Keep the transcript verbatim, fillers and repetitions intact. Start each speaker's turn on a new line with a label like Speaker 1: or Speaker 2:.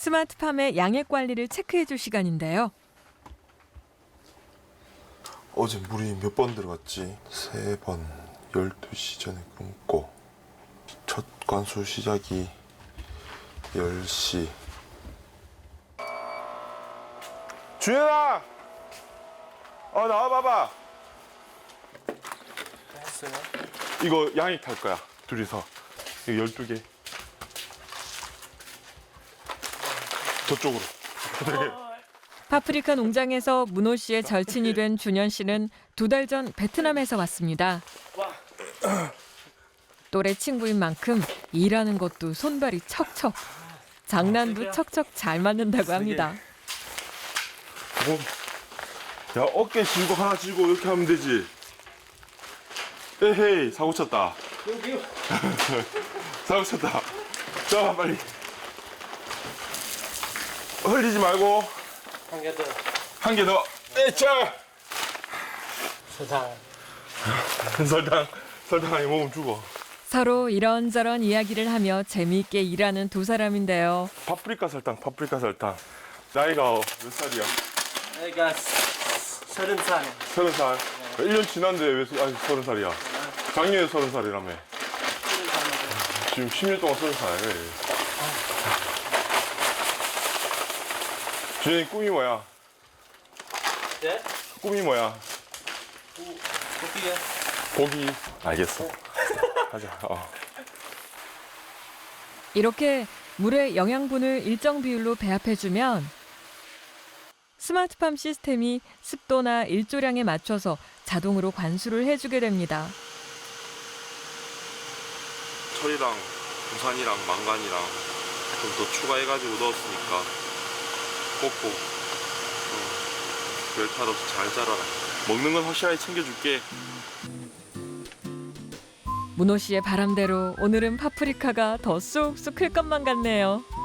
Speaker 1: 스마트팜의 양액 관리를 체크해줄 시간인데요.
Speaker 2: 어제 물이 몇 번 들어갔지? 세 번. 열두 시 전에 끊고. 첫 관수 시작이 열 시. 주연아! 어, 나와봐봐.
Speaker 3: 했어요?
Speaker 2: 이거 양익 탈 거야. 둘이서. 이거 열두 개. 저쪽으로.
Speaker 1: 파프리카 농장에서 문호 씨의 절친이 된 준현 씨는 두 달 전 베트남에서 왔습니다. 또래 친구인 만큼 일하는 것도 손발이 척척. 장난도 척척 잘 맞는다고 합니다.
Speaker 2: 뭐, 야, 어깨 쥐고 하나 쥐고 이렇게 하면 되지. 에헤이, 사고 쳤다. 사고 쳤다. 자, 빨리. 흘리지 말고.
Speaker 3: 한 개 더.
Speaker 2: 한 개 더. 에차!
Speaker 3: 세상.
Speaker 2: 설탕, 설탕 아니 먹으면 죽어.
Speaker 1: 서로 이런저런 이야기를 하며 재미있게 일하는 두 사람인데요.
Speaker 2: 파프리카 설탕, 파프리카 설탕. 나이가 몇 살이야?
Speaker 3: 내가 서른 살.
Speaker 2: 서른 살. 일 년 지났는데 왜 아직 서른 살이야? 작년에 서른 살이라며. 지금 십 년 동안 서른 살. 주연이 꿈이 뭐야?
Speaker 3: 네?
Speaker 2: 꿈이 뭐야?
Speaker 3: 어떻게?
Speaker 2: 고기. 알겠어. 하자. 어.
Speaker 1: 이렇게 물의 영양분을 일정 비율로 배합해주면 스마트팜 시스템이 습도나 일조량에 맞춰서 자동으로 관수를 해주게 됩니다.
Speaker 2: 철이랑 부산이랑 망간이랑 좀 더 추가해가지고 넣었으니까 꼭꼭 별 탈 없이 잘 자라라. 먹는 건 확실하게 챙겨줄게.
Speaker 1: 문호 씨의 바람대로 오늘은 파프리카가 더 쑥쑥 클 것만 같네요.